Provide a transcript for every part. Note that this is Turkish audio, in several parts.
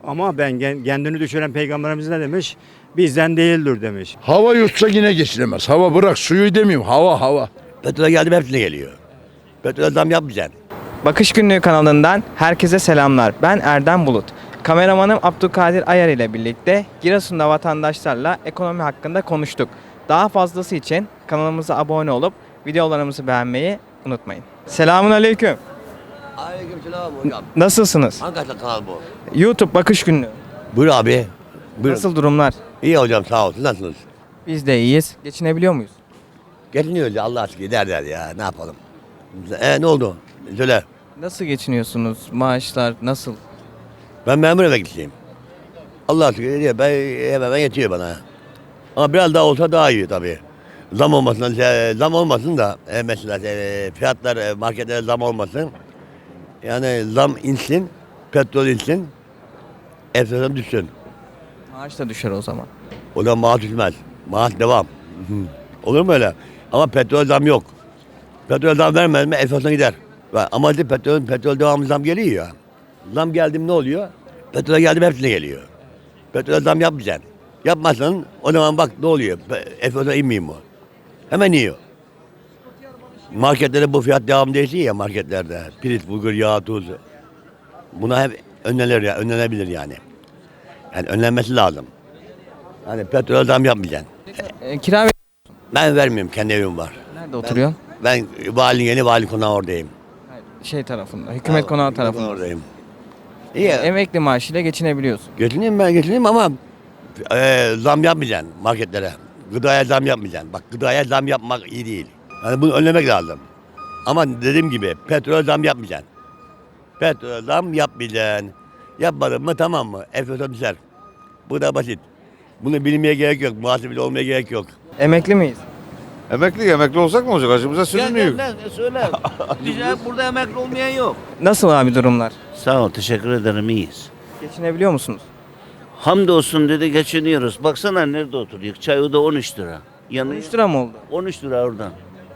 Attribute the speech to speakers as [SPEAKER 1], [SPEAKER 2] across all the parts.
[SPEAKER 1] Ama ben kendini düşüren peygamberimiz ne demiş? Bizden değildir demiş.
[SPEAKER 2] Hava yutsa yine geçilemez. Hava bırak suyu demeyeyim. Hava.
[SPEAKER 3] Petrol geldi mi hepsine geliyor. Petrol zam yapmayacaksın.
[SPEAKER 4] Bakış Günlüğü kanalından herkese selamlar. Ben Erdem Bulut. Kameramanım Abdülkadir Ayar ile birlikte Giresun'da vatandaşlarla ekonomi hakkında konuştuk. Daha fazlası için kanalımıza abone olup videolarımızı beğenmeyi unutmayın. Selamun aleyküm.
[SPEAKER 3] Aleykümselam hocam.
[SPEAKER 4] Nasılsınız?
[SPEAKER 3] Hangi kanal bu?
[SPEAKER 4] YouTube Bakış Günlüğü.
[SPEAKER 3] Buyur abi. Buyur.
[SPEAKER 4] Nasıl durumlar?
[SPEAKER 3] İyi hocam sağ olsun. Nasılsınız?
[SPEAKER 4] Biz de iyiyiz. Geçinebiliyor muyuz?
[SPEAKER 3] Geçiniyoruz ya Allah aşkına der ya ne yapalım. Ne oldu? Söyle.
[SPEAKER 4] Nasıl geçiniyorsunuz? Maaşlar nasıl?
[SPEAKER 3] Ben memur emeklisiyim. Allah aşkına diyor ben yetiyor bana. Ama biraz daha olsa daha iyi tabii. Zam olmasın da mesela fiyatlar marketlere zam olmasın. Yani zam insin, petrol insin, enflasyon düşsün.
[SPEAKER 4] Maaş da düşer o zaman.
[SPEAKER 3] O da maaş düşmez. Maaş devam. Olur mu öyle? Ama petrol zam yok. Petrol zam vermez mi enflasyon gider. Ama petrol devamlı zam geliyor ya. Zam geldi mi ne oluyor? Petrol geldi mi hepsine geliyor. Petrol zam yapmayacaksın. Yapmazsan o zaman bak ne oluyor? Enflasyon inmiyor mu? Hemen iniyor. Marketlerde bu fiyat devam değişiyor ya marketlerde. Pirinç, bulgur, yağ, tuz. Buna hep önlenebilir yani. Yani önlenmesi lazım. Hani petrol zam yapmayacaksın.
[SPEAKER 4] Kira
[SPEAKER 3] Ben vermiyorum, kendi evim var.
[SPEAKER 4] nerede oturuyorsun?
[SPEAKER 3] Ben yeni vali konağı oradayım.
[SPEAKER 4] Şey tarafında, hükümet konağı tarafında.
[SPEAKER 3] Oradayım. İyi.
[SPEAKER 4] Emekli maaşıyla geçinebiliyorsun.
[SPEAKER 3] Geçineyim ama zam yapmayacaksın marketlere. Gıdaya zam yapmayacaksın. Bak gıdaya zam yapmak iyi değil. Yani bunu önlemek lazım. Ama dediğim gibi petrol zam yapmayacaksın. Petrol zam yapmayacaksın. Yapmadın mı tamam mı? Enflasyon düşer. Bu da basit. Bunu bilmeye gerek yok. Muhasebeli olmaya gerek yok.
[SPEAKER 4] Emekli miyiz?
[SPEAKER 5] Emekli olsak ne olacak? Acımıza sürünüyor.
[SPEAKER 3] Söyle. Burada emekli olmayan yok.
[SPEAKER 4] Nasıl abi durumlar?
[SPEAKER 6] Sağ ol, teşekkür ederim, iyiyiz.
[SPEAKER 4] Geçinebiliyor musunuz?
[SPEAKER 6] Hamdolsun dedi geçiniyoruz. Baksana nerede oturuyor? Çay o da 13 lira. Yanı
[SPEAKER 4] 13 lira mı oldu?
[SPEAKER 6] 13 lira oradan.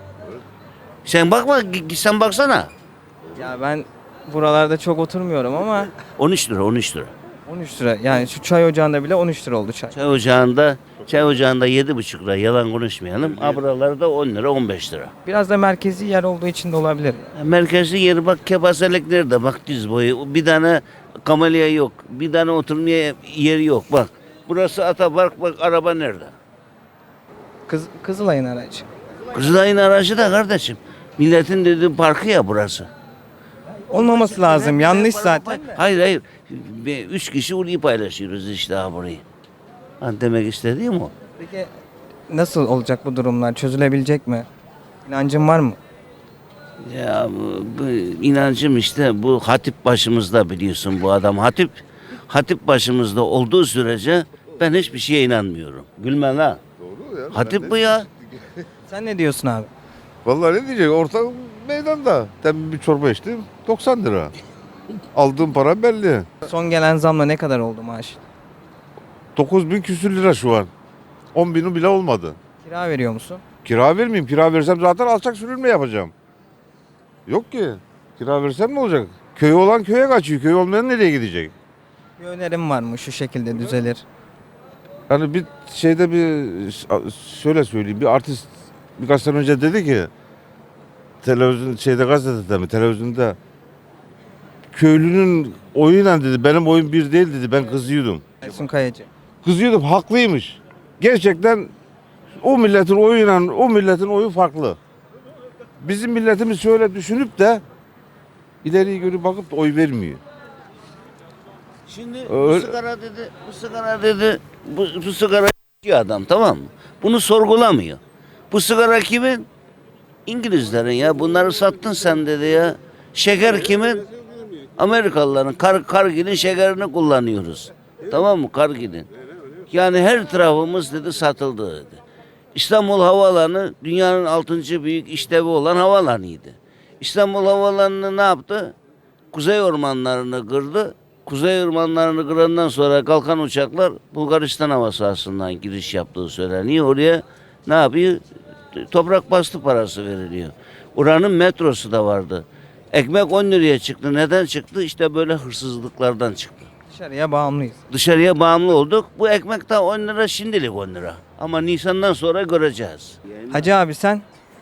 [SPEAKER 6] Sen bakma, sen baksana.
[SPEAKER 4] Ya ben buralarda çok oturmuyorum ama
[SPEAKER 6] 13 lira, 13 lira.
[SPEAKER 4] 13 lira. Yani şu çay ocağında bile 13 lira oldu çay.
[SPEAKER 6] Çay ocağında 7,5 lira, yalan konuşmayalım. Buralarda 10 lira, 15 lira.
[SPEAKER 4] Biraz da merkezi yer olduğu için de olabilir.
[SPEAKER 6] Merkezi yeri bak, kepazelik nerede? Bak diz boyu. Bir tane kamelya yok. Bir tane oturmaya yeri yok. Bak. Burası Atapark, bak araba nerede?
[SPEAKER 4] Kızılay'ın aracı.
[SPEAKER 6] Kızılay'ın aracı da kardeşim. Milletin dediği parkı ya burası.
[SPEAKER 4] Olmaması lazım. Yanlış zaten.
[SPEAKER 6] Hayır. 3 kişi orayı paylaşıyoruz işte burayı. Demek istediğim o.
[SPEAKER 4] Peki nasıl olacak bu durumlar? Çözülebilecek mi? İnancın var mı?
[SPEAKER 6] Ya bu inancım işte bu hatip başımızda biliyorsun bu adam. Hatip başımızda olduğu sürece ben hiçbir şeye inanmıyorum. Gülme la.
[SPEAKER 5] Doğru ya.
[SPEAKER 6] Hatip bu ya.
[SPEAKER 4] Sen ne diyorsun abi?
[SPEAKER 5] Vallahi ne diyecek? Orta meydanda. Demin bir çorba içtim. 90 lira. Aldığım para belli.
[SPEAKER 4] Son gelen zamla ne kadar oldu maaş?
[SPEAKER 5] 9.000 küsür lira şu an. 10.000'i bile olmadı.
[SPEAKER 4] Kira veriyor musun?
[SPEAKER 5] Kira vermeyeyim. Kira versem zaten alçak sürülme yapacağım. Yok ki. Kira versem ne olacak? Köy olan köye kaçıyor. Köy olmayan nereye gidecek?
[SPEAKER 4] Bir önerim var mı? Şu şekilde düzelir.
[SPEAKER 5] Yani bir şeyde şöyle söyleyeyim. Bir artist birkaç sene önce dedi ki televizyonda köylünün oyuyla dedi benim oyun bir değil dedi. Ben kızıyordum.
[SPEAKER 4] Ersun Kayacı.
[SPEAKER 5] Kızıyordum haklıymış. Gerçekten o milletin oyu farklı. Bizim milletimiz şöyle düşünüp de ileriye görüp bakıp da oy vermiyor.
[SPEAKER 6] Şimdi
[SPEAKER 5] Öyle-
[SPEAKER 6] bu sigara içiyor adam, tamam mı? Bunu sorgulamıyor. Bu sigara kimin? İngilizlerin ya. Bunları sattın sen dedi ya. Şeker kimin? Amerikalıların. Kargil'in şekerini kullanıyoruz. Tamam mı? Kargil'in. Yani her tarafımız dedi satıldı dedi. İstanbul Havaalanı dünyanın 6. büyük işlevi olan havaalanıydı. İstanbul Havaalanı'nı ne yaptı? Kuzey ormanlarını kırdı. Kuzey ormanlarını kırandan sonra kalkan uçaklar Bulgaristan hava sahasından giriş yaptığı söyleniyor. Oraya ne yapıyor? Toprak bastı parası veriliyor. Oranın metrosu da vardı. Ekmek 10 liraya çıktı. Neden çıktı? İşte böyle hırsızlıklardan çıktı.
[SPEAKER 4] Dışarıya bağımlıyız.
[SPEAKER 6] Dışarıya bağımlı olduk. Bu ekmek de 10 lira, şimdilik 10 lira. Ama Nisan'dan sonra göreceğiz.
[SPEAKER 4] Hacı abi sen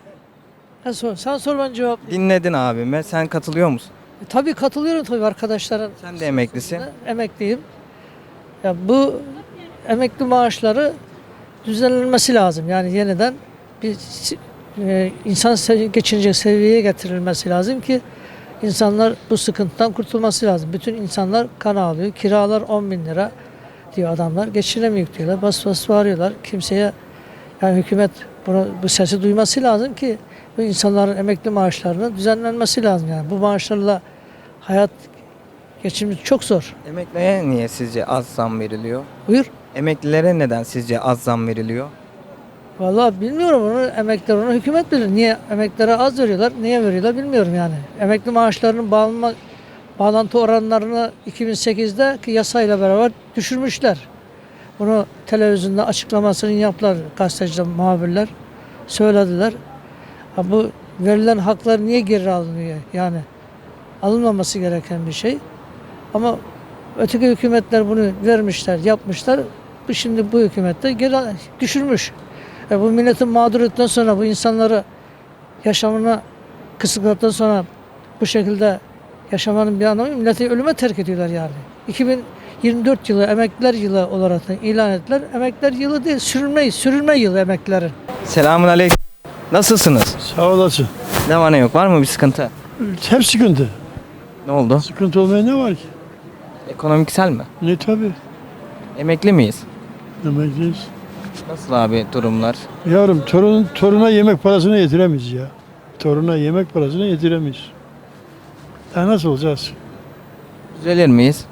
[SPEAKER 7] Sen sor ben cevap.
[SPEAKER 4] dinledin abime. Sen katılıyor musun?
[SPEAKER 7] Tabii katılıyorum tabii arkadaşlara.
[SPEAKER 4] Sen de emeklisin.
[SPEAKER 7] Emekliyim. Ya bu emekli maaşları düzenlenmesi lazım. Yani yeniden bir insan geçinecek seviyeye getirilmesi lazım ki insanlar bu sıkıntıdan kurtulması lazım. Bütün insanlar kan ağlıyor. Kiralar 10 bin lira diyor adamlar. Geçinemiyor diyorlar. Bas bas bağırıyorlar. Kimseye yani hükümet bu sesi duyması lazım ki bu insanların emekli maaşlarının düzenlenmesi lazım. Yani bu maaşlarla hayat geçimimiz çok zor.
[SPEAKER 4] Emekliye niye sizce az zam veriliyor?
[SPEAKER 7] Buyur.
[SPEAKER 4] Emeklilere neden sizce az zam veriliyor?
[SPEAKER 7] Vallahi bilmiyorum onu emekliler onu hükümet bilir. Niye emeklilere az veriyorlar, niye veriyorlar bilmiyorum yani. Emekli maaşlarının bağlantı oranlarını 2008'deki yasayla beraber düşürmüşler. Bunu televizyonda açıklamasını yaptılar gazeteciler, muhabirler söylediler. Ha, bu verilen haklar niye geri alınıyor? Yani alınmaması gereken bir şey. Ama öteki hükümetler bunu vermişler, yapmışlar. Şimdi bu hükümet de geri düşürmüş. Bu milletin mağduriyetten sonra bu insanları yaşamına kısıtladıktan sonra bu şekilde yaşamanın bir anlamı yok. Milleti ölüme terk ediyorlar yani. 2024 yılı emekliler yılı olarak da ilan ettiler. Emekliler yılı değil, sürülme yılı emeklilerin.
[SPEAKER 4] Selamun aleyküm. Nasılsınız?
[SPEAKER 8] Sağ olasın.
[SPEAKER 4] Ne var ne yok? Var mı bir sıkıntı?
[SPEAKER 8] Hep sıkıntı.
[SPEAKER 4] Ne oldu?
[SPEAKER 8] Sıkıntı olmaya ne var ki?
[SPEAKER 4] Ekonomiksel mi?
[SPEAKER 8] Ne tabii.
[SPEAKER 4] Emekli miyiz?
[SPEAKER 8] Emekliyiz.
[SPEAKER 4] Nasıl abi durumlar?
[SPEAKER 8] Yavrum toruna yemek parasını yetiremeyiz ya. Toruna yemek parasını yetiremeyiz. Daha nasıl olacağız?
[SPEAKER 4] Düzelir miyiz?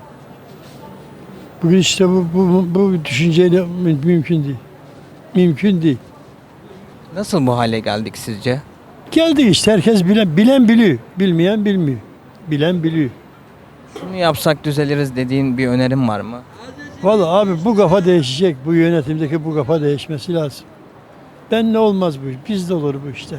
[SPEAKER 8] Bugün işte bu düşünceyle mümkün değil. Mümkün değil.
[SPEAKER 4] Nasıl bu hale geldik sizce?
[SPEAKER 8] Geldik işte herkes bilen biliyor. Bilmeyen bilmiyor. Bilen biliyor.
[SPEAKER 4] Şunu yapsak düzeliriz dediğin bir önerim var mı?
[SPEAKER 8] Vallahi abi bu kafa değişecek. Bu yönetimdeki bu kafa değişmesi lazım. Ben ne olmaz bu iş. Bizde olur bu işler.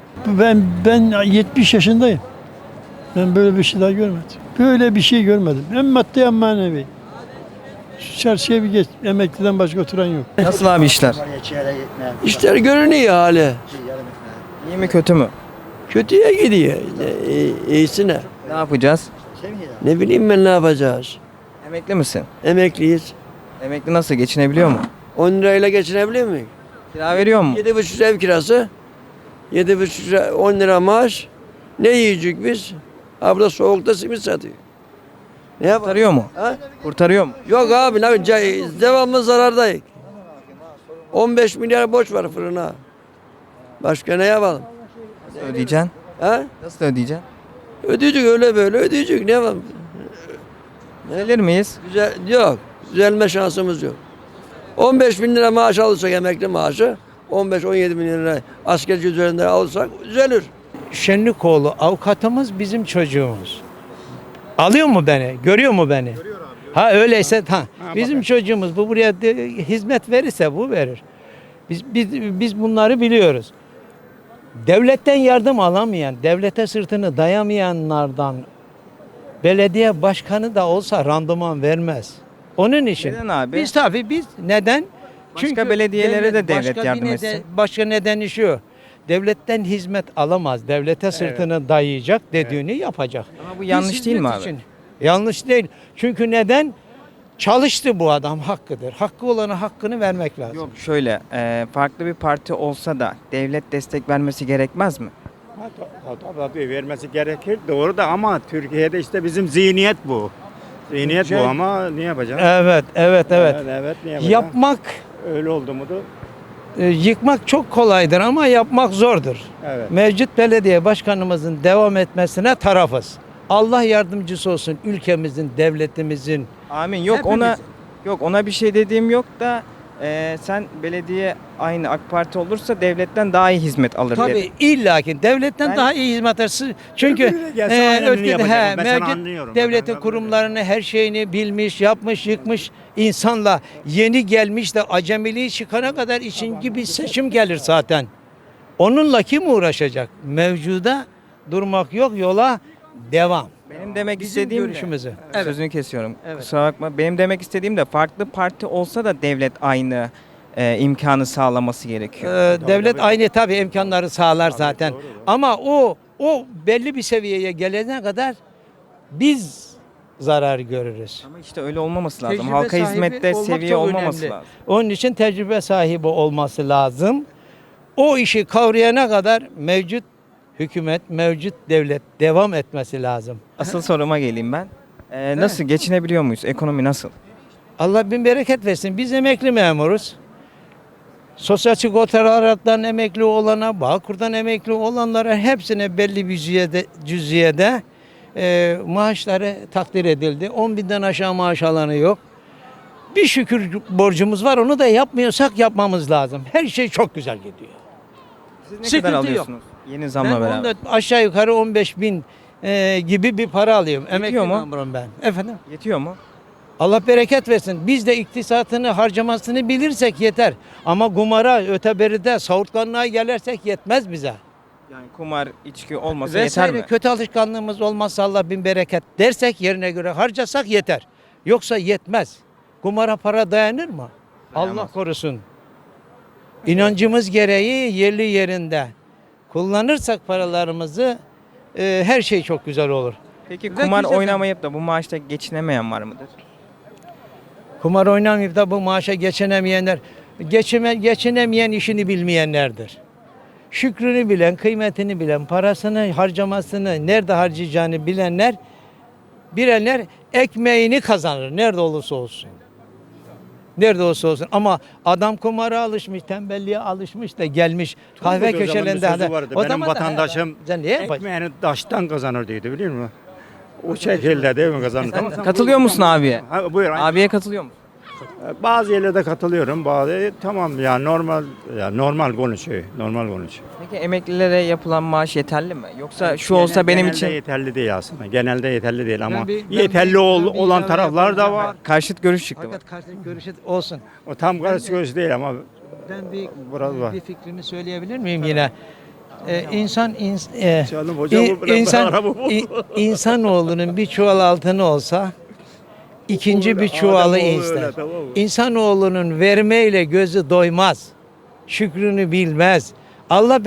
[SPEAKER 8] Ben 70 yaşındayım. Ben böyle bir şey daha görmedim. Böyle bir şey görmedim. Hem maddi hem manevi. Şu çarşıya bir geç. Emekliden başka oturan yok.
[SPEAKER 4] Nasıl abi işler?
[SPEAKER 9] İşler görünüyor hali.
[SPEAKER 4] İyi mi kötü mü?
[SPEAKER 9] Kötüye gidiyor. İyisine.
[SPEAKER 4] Ne yapacağız?
[SPEAKER 9] Ne bileyim ben ne yapacağız.
[SPEAKER 4] Emekli misin?
[SPEAKER 9] Emekliyiz.
[SPEAKER 4] Emekli nasıl geçinebiliyor mu?
[SPEAKER 9] 10 lirayla geçinebiliyor muyuz?
[SPEAKER 4] Kira veriyor mu?
[SPEAKER 9] 7,5 ev kirası. 7,5 lira 10 lira maaş. Ne yiyecek biz? Ha burada soğukta simit satıyor. Ne yapalım?
[SPEAKER 4] Kurtarıyor mu?
[SPEAKER 9] Ha?
[SPEAKER 4] Kurtarıyor mu?
[SPEAKER 9] Yok abi devamlı zarardayız. 15 milyar borç var fırına. Başka ne yapalım?
[SPEAKER 4] Nasıl ödeyeceksin?
[SPEAKER 9] Ha?
[SPEAKER 4] Nasıl ödeyeceksin?
[SPEAKER 9] Ödeyecek öyle böyle ödeyecek. Ne yapalım?
[SPEAKER 4] Düzelir miyiz?
[SPEAKER 9] Yok. Düzelme şansımız yok. 15 bin lira maaş alırsak emekli maaşı 15-17 bin lira askerci üzerinden alırsak düzelir.
[SPEAKER 10] Şenlikoğlu avukatımız bizim çocuğumuz. Alıyor mu beni? Görüyor mu beni? Ha öyleyse bizim çocuğumuz bu buraya hizmet verirse bu verir. Biz bunları biliyoruz. Devletten yardım alamayan, devlete sırtını dayamayanlardan belediye başkanı da olsa randıman vermez. Onun için.
[SPEAKER 4] Neden abi?
[SPEAKER 10] Biz neden?
[SPEAKER 4] Başka belediyelere de devlet yardım etsin.
[SPEAKER 10] Başka nedeni şu. Devletten hizmet alamaz. Devlete sırtını dayayacak, dediğini yapacak.
[SPEAKER 4] Ama bu yanlış
[SPEAKER 10] Biz
[SPEAKER 4] değil mi
[SPEAKER 10] hizmet
[SPEAKER 4] abi?
[SPEAKER 10] için- Yanlış değil. Çünkü neden? Çalıştı bu adam, hakkıdır. Hakkı olana hakkını vermek lazım.
[SPEAKER 4] Yok şöyle farklı bir parti olsa da devlet destek vermesi gerekmez mi?
[SPEAKER 1] Tabii vermesi gerekir doğru da ama Türkiye'de işte bizim zihniyet bu. Zihniyet bu ama ne yapacağız?
[SPEAKER 10] Evet.
[SPEAKER 1] Evet ne yapacağız?
[SPEAKER 10] Yapmak,
[SPEAKER 1] Öyle oldu mu da
[SPEAKER 10] yıkmak çok kolaydır ama yapmak zordur.
[SPEAKER 1] evet.
[SPEAKER 10] Mevcut belediye başkanımızın devam etmesine tarafız. Allah yardımcısı olsun ülkemizin, devletimizin.
[SPEAKER 4] Amin. Yok ona bir şey dediğim yok da sen belediye aynı AK Parti olursa devletten daha iyi hizmet alır dedim.
[SPEAKER 10] Tabii illaki devletten
[SPEAKER 4] Ben-
[SPEAKER 10] daha iyi hizmet alırsın. Çünkü
[SPEAKER 1] Öbürü gelse aynı
[SPEAKER 10] öteki
[SPEAKER 1] yapacak. Ben sana
[SPEAKER 10] mevcut
[SPEAKER 1] anlıyorum.
[SPEAKER 10] devletin
[SPEAKER 1] Ben-
[SPEAKER 10] kurumlarını her şeyini bilmiş, yapmış, yıkmış insanla yeni gelmiş de acemiliği çıkana kadar ikinci bir seçim gelir zaten. Onunla kim uğraşacak? Mevcuda durmak yok, yola devam.
[SPEAKER 4] Benim demek
[SPEAKER 10] Bizim
[SPEAKER 4] istediğim
[SPEAKER 10] görüşümüzü.
[SPEAKER 4] de,
[SPEAKER 10] Evet.
[SPEAKER 4] sözünü kesiyorum.
[SPEAKER 10] Evet.
[SPEAKER 4] Kusura bakma. Benim demek istediğim de farklı parti olsa da devlet aynı imkanı sağlaması gerekiyor.
[SPEAKER 10] Devlet aynı tabii imkanları sağlar zaten. Ama o belli bir seviyeye gelene kadar biz zarar görürüz.
[SPEAKER 4] Ama işte öyle olmaması lazım.
[SPEAKER 10] Tecrübe
[SPEAKER 4] Halka
[SPEAKER 10] sahibi
[SPEAKER 4] hizmette
[SPEAKER 10] olmak
[SPEAKER 4] seviye
[SPEAKER 10] çok
[SPEAKER 4] olmaması
[SPEAKER 10] önemli.
[SPEAKER 4] lazım.
[SPEAKER 10] Onun için tecrübe sahibi olması lazım. O işi kavrayana kadar mevcut hükümet, mevcut devlet devam etmesi lazım.
[SPEAKER 4] Asıl soruma geleyim ben. Nasıl geçinebiliyor muyuz? Ekonomi nasıl?
[SPEAKER 10] Allah bin bereket versin. Biz emekli memuruz. Sosyal sigortalardan emekli olana, Bağkur'dan emekli olanlara hepsine belli bir cüziyede maaşları takdir edildi. 10 binden aşağı maaş alanı yok. Bir şükür borcumuz var. Onu da yapmıyorsak yapmamız lazım. Her şey çok güzel gidiyor.
[SPEAKER 4] Siz ne
[SPEAKER 10] Sıkıntı
[SPEAKER 4] kadar
[SPEAKER 10] yok.
[SPEAKER 4] alıyorsunuz? Yeni zamla
[SPEAKER 10] Ben
[SPEAKER 4] beraber.
[SPEAKER 10] 14, aşağı yukarı 15 bin gibi bir para alıyorum. Emekli
[SPEAKER 4] mu?
[SPEAKER 10] memurum ben. Efendim?
[SPEAKER 4] Yetiyor mu?
[SPEAKER 10] Allah bereket versin. Biz de iktisatını harcamasını bilirsek yeter. Ama kumara, öteberide, savurtkanlığa gelirsek yetmez bize.
[SPEAKER 4] Yani kumar, içki olmasa
[SPEAKER 10] Vesaire
[SPEAKER 4] yeter mi?
[SPEAKER 10] kötü alışkanlığımız olmazsa Allah bin bereket dersek yerine göre harcasak yeter. Yoksa yetmez. Kumara para dayanır mı? Allah korusun. İnancımız gereği yerli yerinde kullanırsak paralarımızı her şey çok güzel olur.
[SPEAKER 4] Peki
[SPEAKER 10] Ve
[SPEAKER 4] kumar
[SPEAKER 10] güzel-
[SPEAKER 4] oynamayıp da bu maaşta geçinemeyen var mıdır?
[SPEAKER 10] Kumar oynamayıp da bu maaşa geçinemeyenler, geçinemeyen işini bilmeyenlerdir. Şükrünü bilen, kıymetini bilen, parasını harcamasını, nerede harcayacağını bilenler ekmeğini kazanır nerede olursa olsun. Nerede olursa olsun. Ama adam kumara alışmış, tembelliğe alışmış da gelmiş kahve
[SPEAKER 1] Turgut Özal'ın bir
[SPEAKER 10] köşelerinde.
[SPEAKER 1] sözü vardı. Benim
[SPEAKER 10] zaman da-
[SPEAKER 1] vatandaşım
[SPEAKER 10] Sen niye yaparsın?
[SPEAKER 1] ekmeğini taştan kazanır diyordu biliyor musun? O şekilde değil mi kazanır? Tamam, sen
[SPEAKER 4] Katılıyor musun abiye?
[SPEAKER 1] Ha, buyur.
[SPEAKER 4] Abiye katılıyor musun?
[SPEAKER 1] Bazı yerlerde katılıyorum. Bazı tamam ya normal konuşuyor. Normal konuşuyor.
[SPEAKER 4] Peki emeklilere yapılan maaş yeterli mi? Yoksa şu olsa benim
[SPEAKER 1] Genelde
[SPEAKER 4] için
[SPEAKER 1] yeterli değil aslında. Genelde yeterli değil ama
[SPEAKER 10] Ben
[SPEAKER 1] yeterli
[SPEAKER 10] bir
[SPEAKER 1] olan
[SPEAKER 10] ilave
[SPEAKER 1] taraflar da
[SPEAKER 10] yapayım.
[SPEAKER 1] var.
[SPEAKER 4] karşıt görüş çıktı.
[SPEAKER 10] Fakat karşı görüşü olsun.
[SPEAKER 1] O tam karşı göz değil ama
[SPEAKER 10] Ben
[SPEAKER 1] Biraz var.
[SPEAKER 10] bir fikrimi söyleyebilir miyim yine?
[SPEAKER 1] Canım hocam bu biraz daha araba oldu.
[SPEAKER 10] İnsanoğlunun bir çuval altını olsa ikinci bir çuvalı
[SPEAKER 1] Ademoğlu
[SPEAKER 10] ister.
[SPEAKER 1] öyle, tamam mı?
[SPEAKER 10] İnsanoğlunun vermeyle gözü doymaz. Şükrünü bilmez. Allah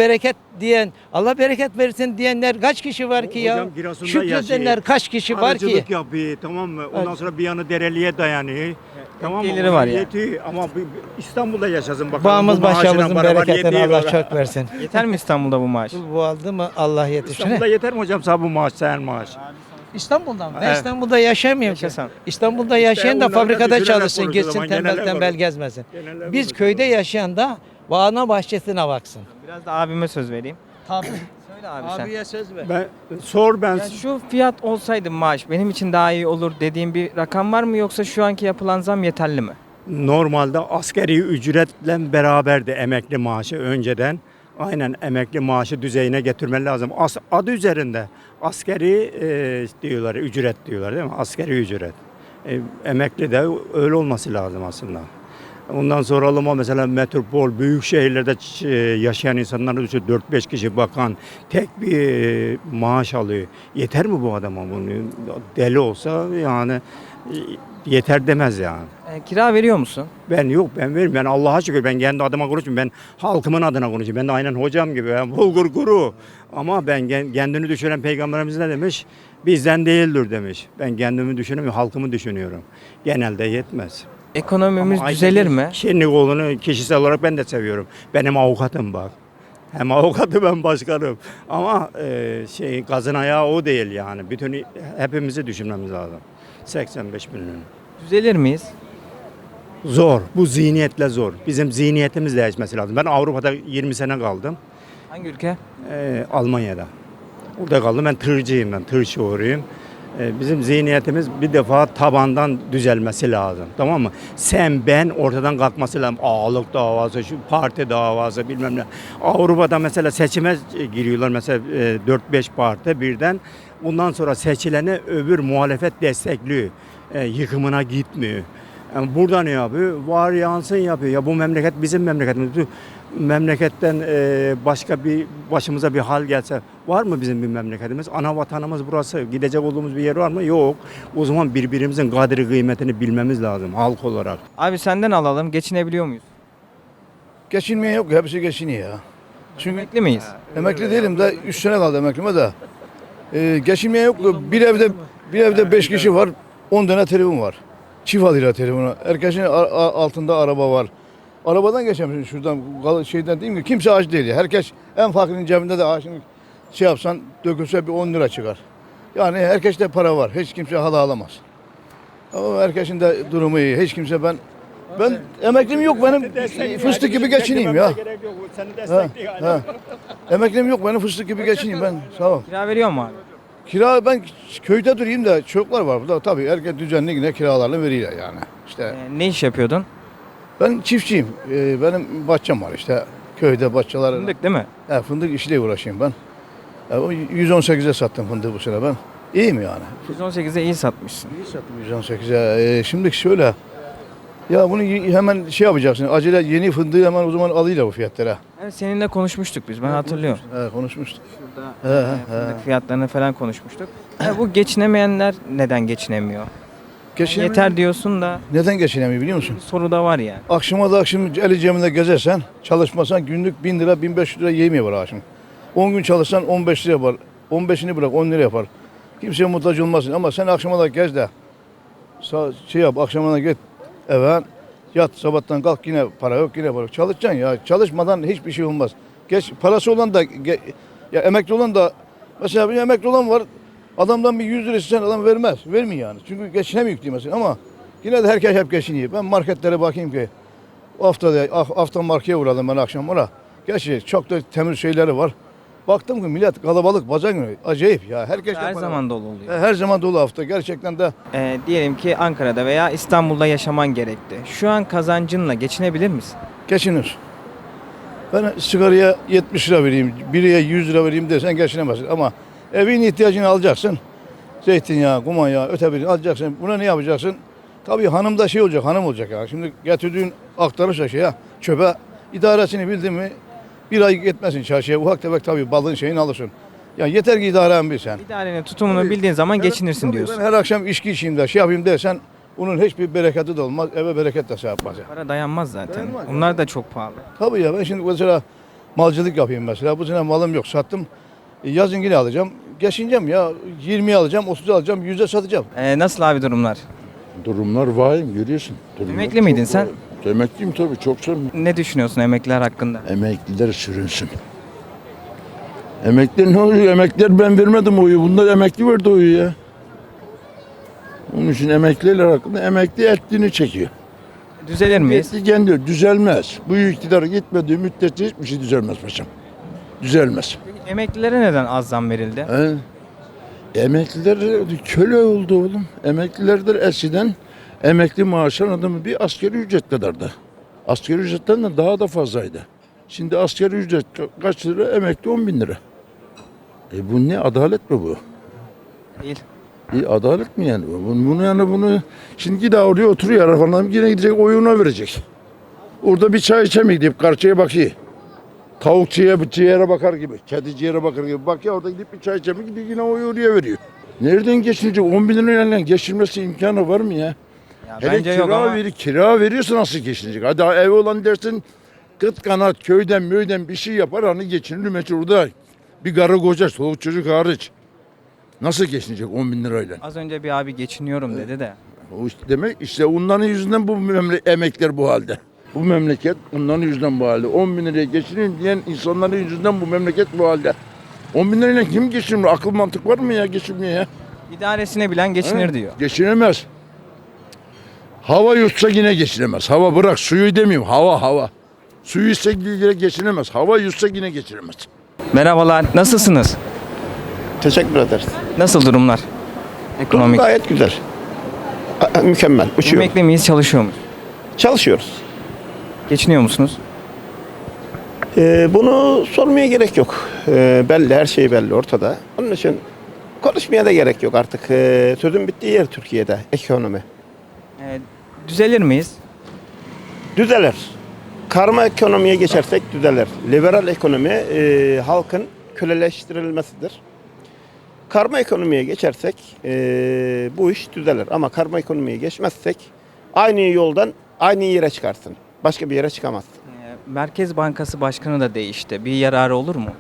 [SPEAKER 10] bereket versin diyenler kaç kişi var ki ya?
[SPEAKER 1] Hocam Giresun'da
[SPEAKER 10] Şükredenler
[SPEAKER 1] yaşıyor.
[SPEAKER 10] kaç kişi var ki?
[SPEAKER 1] Arıcılık yapıyor tamam mı? Ondan
[SPEAKER 10] Evet.
[SPEAKER 1] sonra bir yanı dereliğe dayanıyor. Tamam mı?
[SPEAKER 4] geliri
[SPEAKER 1] Ona
[SPEAKER 4] var yani.
[SPEAKER 1] yetiyor. Ama İstanbul'da yaşasın bakalım.
[SPEAKER 10] Bağımız
[SPEAKER 1] bu maaşına
[SPEAKER 10] başımızın
[SPEAKER 1] beraber
[SPEAKER 10] bereketini
[SPEAKER 1] yetiyor
[SPEAKER 10] Allah
[SPEAKER 1] mu?
[SPEAKER 10] çok versin.
[SPEAKER 4] Yeter mi İstanbul'da bu maaş?
[SPEAKER 10] Bu aldı mı Allah yetişir.
[SPEAKER 1] İstanbul'da yeter mi hocam sana bu maaş, sen maaş?
[SPEAKER 10] İstanbul'dan mı? Ben
[SPEAKER 1] Evet.
[SPEAKER 10] İstanbul'da yaşamıyorum ki.
[SPEAKER 4] Yaşasan.
[SPEAKER 10] İstanbul'da yaşayan da
[SPEAKER 1] onlarla
[SPEAKER 10] fabrikada
[SPEAKER 1] düşünerek
[SPEAKER 10] çalışsın,
[SPEAKER 1] konuşuyor,
[SPEAKER 10] gitsin
[SPEAKER 1] zaman genelde
[SPEAKER 10] tembel tembel
[SPEAKER 1] konuşuyor.
[SPEAKER 10] gezmesin.
[SPEAKER 1] Genelde
[SPEAKER 10] Biz
[SPEAKER 1] konuşuyor.
[SPEAKER 10] köyde yaşayan da bağına bahçesine baksın.
[SPEAKER 4] Biraz da abime söz vereyim.
[SPEAKER 10] Tabii.
[SPEAKER 4] Söyle abi sen.
[SPEAKER 10] Abiye söz ver.
[SPEAKER 1] Ben sor ben.
[SPEAKER 4] Ya şu fiyat olsaydı maaş benim için daha iyi olur dediğim bir rakam var mı yoksa şu anki yapılan zam yeterli mi?
[SPEAKER 1] Normalde askeri ücretle beraberdi emekli maaşı önceden. Aynen emekli maaşı düzeyine getirmeli lazım. Adı üzerinde askeri diyorlar, ücret diyorlar değil mi? Askeri ücret. Emekli de öyle olması lazım aslında. Ondan sonra alıma mesela metropol, büyük şehirlerde yaşayan insanlar düşün 4-5 kişi bakan tek bir maaş alıyor. Yeter mi bu adama bunu? Deli olsa yani yeter demez yani.
[SPEAKER 4] Kira veriyor musun?
[SPEAKER 1] Ben veririm. Ben Allah'a şükür ben kendi adıma konuşmuyorum. Ben halkımın adına konuşuyorum. Ben de aynen hocam gibi. Ben bulgur kuru. Ama ben kendini düşünen peygamberimiz ne demiş? Bizden değildir demiş. Ben kendimi düşünüyorum, halkımı düşünüyorum. Genelde yetmez.
[SPEAKER 4] Ekonomimiz
[SPEAKER 1] Ama
[SPEAKER 4] düzelir
[SPEAKER 1] Aydın
[SPEAKER 4] mi?
[SPEAKER 1] Şenlikoğlu'nu kişisel olarak ben de seviyorum. Benim avukatım bak. Hem avukatı ben başkanım. Ama gazın ayağı o değil yani. Bütün hepimizi düşünmemiz lazım. 85 milyon.
[SPEAKER 4] Düzelir miyiz?
[SPEAKER 1] Zor. Bu zihniyetle zor. Bizim zihniyetimiz değişmesi lazım. Ben Avrupa'da 20 sene kaldım.
[SPEAKER 4] Hangi ülke?
[SPEAKER 1] Almanya'da. Orada kaldım. Ben tırcıyım ben. Tır şoförüyüm. Bizim zihniyetimiz bir defa tabandan düzelmesi lazım. Tamam mı? Sen ben ortadan kalkması lazım. Ağalık davası, şu parti davası bilmem ne. Avrupa'da mesela seçime giriyorlar. Mesela 4-5 parti birden. Bundan sonra seçileni öbür muhalefet destekliyor. Yıkımına gitmiyor. Yani burada ne yapıyor? Var yansın yapıyor. Ya bu memleket bizim memleketimiz. Bu memleketten başka bir başımıza bir hal gelse var mı bizim bir memleketimiz? Ana vatanımız burası. Gidecek olduğumuz bir yer var mı? Yok. O zaman birbirimizin kadri kıymetini bilmemiz lazım halk olarak.
[SPEAKER 4] Abi senden alalım. Geçinebiliyor muyuz?
[SPEAKER 2] Geçinmeye yok. Hepsi geçiniyor ya. Çünkü
[SPEAKER 4] Emekli miyiz?
[SPEAKER 2] emekli değilim de 3 sene kaldı emeklime de. Geçinmeye yok. Bir evde 5 kişi var. 10 tane telefon var. Çift alıyla telefonu. Herkesin altında araba var. Arabadan geçemiyorsun şuradan şeyden değil mi? Kimse aç değil ya. Herkes en fakirin cebinde de şimdi şey yapsan dökülse bir 10 lira çıkar. Yani herkeste para var. Hiç kimse hala alamaz. Ama herkesin de durumu iyi. Hiç kimse ben emeklim yok benim fıstık gibi geçineyim ya. Ha. Emeklim yok benim fıstık gibi geçineyim ben. Sağ ol.
[SPEAKER 4] Kira veriyor mu abi?
[SPEAKER 2] Kira ben köyde durayım da çocuklar var burada. Tabii herkes düzenli yine kiralarını veriyor yani. İşte
[SPEAKER 4] Ne iş yapıyordun?
[SPEAKER 2] ben çiftçiyim. Benim bahçem var işte. Köyde bahçeler.
[SPEAKER 4] Fındık değil mi?
[SPEAKER 2] Fındık işiyle uğraşayım ben. O 118'e sattım fındığı bu sene ben. İyiyim yani.
[SPEAKER 4] 118'e iyi satmışsın.
[SPEAKER 2] İyi sattım 118'e. Şimdi şöyle. Ya bunu hemen şey yapacaksın. Acele yeni fındığı hemen o zaman alıyla bu fiyatlara.
[SPEAKER 4] Evet, seninle konuşmuştuk biz. Ben hatırlıyorum.
[SPEAKER 2] Konuşmuştuk.
[SPEAKER 4] Fındık fiyatlarını falan konuşmuştuk. Bu geçinemeyenler neden geçinemiyor? Yeter diyorsun da
[SPEAKER 2] Neden geçinemiyor biliyor musun?
[SPEAKER 4] soru da var yani.
[SPEAKER 2] Akşama da akşam eli cebinde gezersen, çalışmasan günlük 1000 lira, 1500 lira yemeği var akşam. 10 gün çalışsan 15 lira yapar. 15'ini bırak 10 lira yapar. Kimseye muhtaç olmasın ama sen akşama da gez de şey yap, akşamına git eve yat, sabahtan kalk yine para yok, yine para yok. Çalışacaksın ya. Çalışmadan hiçbir şey olmaz. Geç parası olan da ya emekli olan da mesela bir emekli olan var. Adamdan bir 100 lira istesen adam vermez. Vermiyor yani. Çünkü geçinemiyor diye mesela ama yine de herkes hep geçiniyor. Ben marketlere bakayım ki hafta markete uğradım ben akşam ona. Gerçi çok da temiz şeyleri var. Baktım ki millet kalabalık pazar günü. Acayip ya. Herkes
[SPEAKER 4] Her zaman dolu oluyor.
[SPEAKER 2] her zaman dolu hafta. Gerçekten de
[SPEAKER 4] Diyelim ki Ankara'da veya İstanbul'da yaşaman gerekti. Şu an kazancınla geçinebilir misin?
[SPEAKER 2] geçinir. Ben sigaraya 70 lira vereyim, biriye 100 lira vereyim desen geçinemezsin. Ama evin ihtiyacını alacaksın. Zeytinyağı, kumanyağı, öte birini alacaksın. Buna ne yapacaksın? Tabii hanım da şey olacak, hanım olacak ya. Şimdi getirdiğin aktarırsa şeye, çöpe idaresini bildin mi bir ay gitmesin çarşıya. Ufak tefek tabii balığın şeyini alırsın. Ya yeter ki idaren bilsen.
[SPEAKER 4] İdarenin tutumunu bildiğin zaman geçinirsin diyorsun.
[SPEAKER 2] Ben her akşam içki içeyim de şey yapayım dersen bunun hiçbir bereketi de olmaz. Eve bereket de şey yapmaz. Yani.
[SPEAKER 4] Para dayanmaz zaten.
[SPEAKER 2] Dayanmaz
[SPEAKER 4] Onlar da çok pahalı.
[SPEAKER 2] Tabii ya ben şimdi mesela malcılık yapayım mesela. Bu sene malım yok sattım. Yazın yine alacağım. Geçineceğim ya 20'ye alacağım, 30'a alacağım, 100'e satacağım.
[SPEAKER 4] Nasıl abi durumlar?
[SPEAKER 2] Durumlar vahim görüyorsun.
[SPEAKER 4] Emekli miydin sen?
[SPEAKER 2] Emekliyim tabii çok
[SPEAKER 4] Ne düşünüyorsun emekliler hakkında?
[SPEAKER 2] Emekliler sürünsün. Emekliler ne oluyor? Emekliler ben vermedim oyu. Bunlar emekli verdi oyu ya. Onun için emekliler hakkında emekli ettiğini çekiyor.
[SPEAKER 4] Düzelir miyiz?
[SPEAKER 2] Etli kendi düzelmez. Bu iktidar gitmediği müddetçe hiçbir şey düzelmez paşam. Düzelmez.
[SPEAKER 4] Emeklilere neden az zam verildi?
[SPEAKER 2] He? Emekliler köle oldu oğlum. Emeklilerdir eskiden emekli maaşın adamı bir asgari ücret kadardı. Asgari ücretten de daha da fazlaydı. Şimdi asgari ücret kaç lira? Emekli 10 bin lira. Bu ne? Adalet mi bu?
[SPEAKER 4] Değil.
[SPEAKER 2] Adalet mi yani? Bunu şimdi daha oraya oturuyor falan yine gidecek oyuna verecek. Orada bir çay içemeyip gidip karşıya bakıyor. Tavuk ciğere bakar gibi, kedi ciğere bakar gibi. Bak ya orada gidip bir çay içemeyip gidip yine oyu oraya veriyor. Nereden geçinecek? 10 bin lirayla geçirmesi imkanı var mı ya?
[SPEAKER 4] Ya
[SPEAKER 2] Hele
[SPEAKER 4] bence yok ama
[SPEAKER 2] kira veriyorsa nasıl geçinecek? Hadi ev olan dersin kıt kanat köyden bir şey yapar hani geçinir meçhul orada. Bir karı koca çoluk çocuk hariç. Nasıl geçinecek 10 bin lirayla?
[SPEAKER 4] az önce bir abi geçiniyorum dedi de.
[SPEAKER 2] O işte demek işte onların yüzünden bu emekler bu halde. Bu memleket onların yüzünden bu halde. 10 bin liraya geçinin diyen insanların yüzünden bu memleket bu halde. 10 bin lirayla kim geçinir? Akıl mantık var mı ya geçinmeye ya?
[SPEAKER 4] İdaresine bilen geçinir diyor.
[SPEAKER 2] Geçinemez. Hava yutsa yine geçinemez. Hava bırak suyu demiyorum. Hava. Suyu ise yine geçinemez. Hava yutsa yine geçinemez.
[SPEAKER 4] Merhabalar, nasılsınız?
[SPEAKER 11] Teşekkür ederiz.
[SPEAKER 4] Nasıl durumlar? Ekonomik.
[SPEAKER 11] Gayet güzel. Mükemmel. Uçuyor.
[SPEAKER 4] Emekli miyiz, çalışıyor muyuz?
[SPEAKER 11] Çalışıyoruz.
[SPEAKER 4] Geçiniyor musunuz?
[SPEAKER 11] Bunu sormaya gerek yok. Belli, her şey belli ortada. Onun için konuşmaya da gerek yok artık. Sözün bittiği yer Türkiye'de, ekonomi.
[SPEAKER 4] Düzelir miyiz?
[SPEAKER 11] Düzelir. Karma ekonomiye geçersek düzelir. Liberal ekonomi halkın köleleştirilmesidir. Karma ekonomiye geçersek bu iş düzelir. Ama karma ekonomiye geçmezsek aynı yoldan aynı yere çıkarsın. Başka bir yere çıkamazsın.
[SPEAKER 4] Merkez Bankası Başkanı da değişti. Bir yararı olur mu?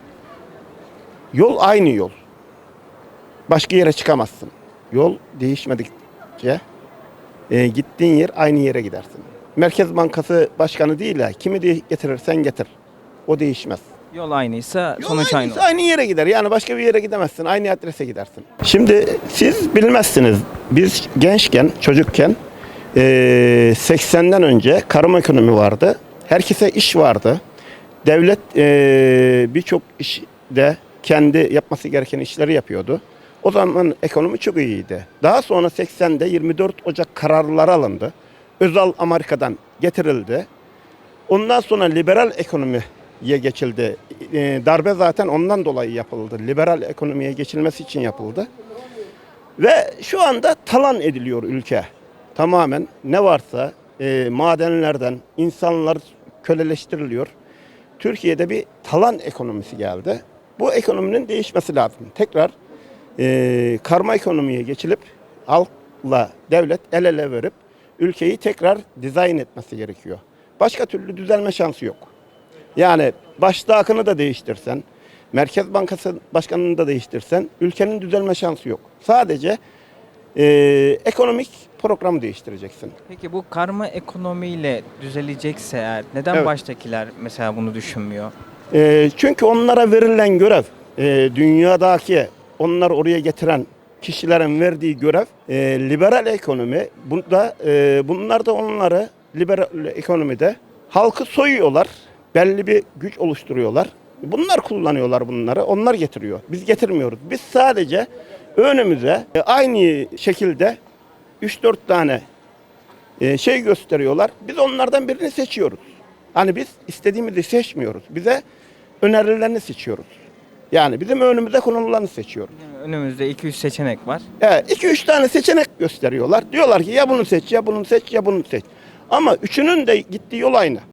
[SPEAKER 11] Yol aynı yol. Başka yere çıkamazsın. Yol değişmedikçe gittiğin yer aynı yere gidersin. Merkez Bankası Başkanı değil ha. Kimi getirirsen getir. O değişmez.
[SPEAKER 4] Yol aynıysa
[SPEAKER 11] Yol
[SPEAKER 4] sonuç aynı
[SPEAKER 11] aynıysa
[SPEAKER 4] olur.
[SPEAKER 11] aynı yere gider. Yani başka bir yere gidemezsin. Aynı adrese gidersin. Şimdi siz bilmezsiniz. Biz gençken, çocukken 80'den önce karma ekonomi vardı. Herkese iş vardı. Devlet birçok işte kendi yapması gereken işleri yapıyordu. O zaman ekonomi çok iyiydi. Daha sonra 80'de 24 Ocak kararları alındı. Özal Amerika'dan getirildi. Ondan sonra liberal ekonomiye geçildi. Darbe zaten ondan dolayı yapıldı. Liberal ekonomiye geçilmesi için yapıldı. Ve şu anda talan ediliyor ülke. Tamamen ne varsa madenlerden insanlar köleleştiriliyor. Türkiye'de bir talan ekonomisi geldi. Bu ekonominin değişmesi lazım. Tekrar karma ekonomiye geçilip halkla devlet el ele verip ülkeyi tekrar dizayn etmesi gerekiyor. Başka türlü düzelme şansı yok. Yani başta akını da değiştirsen, Merkez Bankası Başkanı'nı da değiştirsen ülkenin düzelme şansı yok. Sadece ekonomik programı değiştireceksin.
[SPEAKER 4] Peki bu karma ekonomiyle düzelecekse eğer neden
[SPEAKER 11] Evet.
[SPEAKER 4] baştakiler mesela bunu düşünmüyor?
[SPEAKER 11] Çünkü onlara verilen görev, dünyadaki onları oraya getiren kişilerin verdiği görev liberal ekonomi. Bunlar da onları liberal ekonomide halkı soyuyorlar. Belli bir güç oluşturuyorlar. Bunlar kullanıyorlar bunları. Onlar getiriyor. Biz getirmiyoruz. Biz sadece önümüze aynı şekilde 3-4 tane şey gösteriyorlar. Biz onlardan birini seçiyoruz. Hani biz istediğimizi seçmiyoruz. Bize önerilerini seçiyoruz. Yani bizim önümüze konulanı seçiyoruz.
[SPEAKER 4] Önümüzde 2-3 seçenek var.
[SPEAKER 11] 2-3 tane seçenek gösteriyorlar. Diyorlar ki ya bunu seç, ya bunu seç, ya bunu seç. Ama üçünün de gittiği yol aynı.